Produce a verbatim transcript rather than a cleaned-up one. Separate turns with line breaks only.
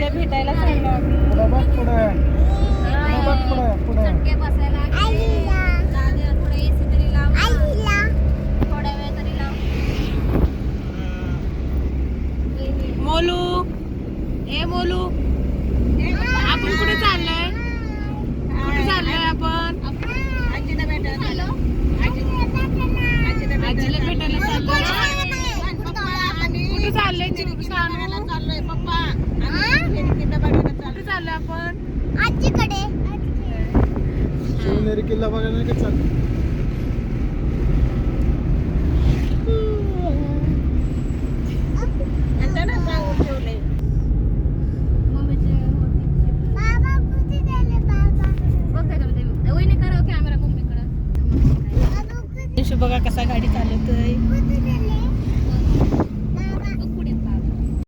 आजीला भेटायला चाललो आम्ही.
पुढं बघ पुढे पुढं बघ पुढे पुढे
चटके बसायला दादा थोडं एसी तरी लाव थोड्या वेळ तरी लाव.
मोलू ए मोलू आपण कुठे चाललोय कुठे चाललोय आपण
आजीला भेटायला चाललो.
आजीला भेटायला चाललोय कुठे चाललोय
चाललोय पप्पा
कुठे चाललोय आपण
शिवनेरी किल्ला बघायला नाही का चाललं